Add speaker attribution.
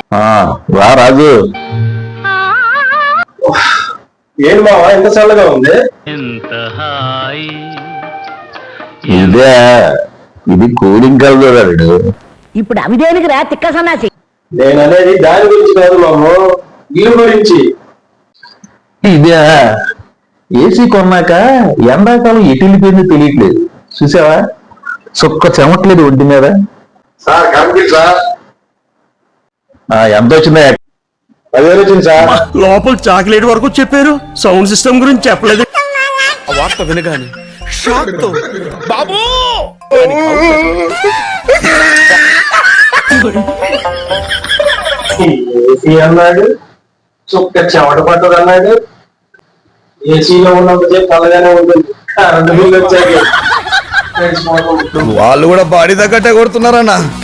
Speaker 1: రా రాజు.
Speaker 2: ఏం బావా ఎంత చల్లగా ఉంది.
Speaker 1: ఇదే ఇది కూలింగ్ కలదు.
Speaker 3: ఇప్పుడు అవి దేనికి రా తిక్క సన్నాసి.
Speaker 2: నేను అనేది దాని గురించి కాదు మాము, ఇల్లు గురించి.
Speaker 1: ఇదే ఏసీ కొన్నాక ఎండాకాలం ఎటు వెళ్ళిపోయిందో తెలియట్లేదు. చూసావా, చుక్క చెమట్లేదు ఒడ్డు మీద.
Speaker 2: Sir complete sir.
Speaker 1: ఎంత వచ్చిందా?
Speaker 2: 10,000 వచ్చింది సార్.
Speaker 4: లోపల చాక్లెట్ వరకు చెప్పారు, సౌండ్ సిస్టమ్ గురించి చెప్పలేదు. వార్త వినగానే షాక్ తో బాబూ
Speaker 2: ఏసీ అన్నాడు, చుక్క చెమట పట్టదు అన్నాడు. ఏసీలో ఉన్నంత చల్లగానే ఉంటుంది, కరెంటు బిల్లు వచ్చాక
Speaker 4: వాళ్ళు కూడా బాడీ తగ్గట్టే కొడుతున్నారన్నా.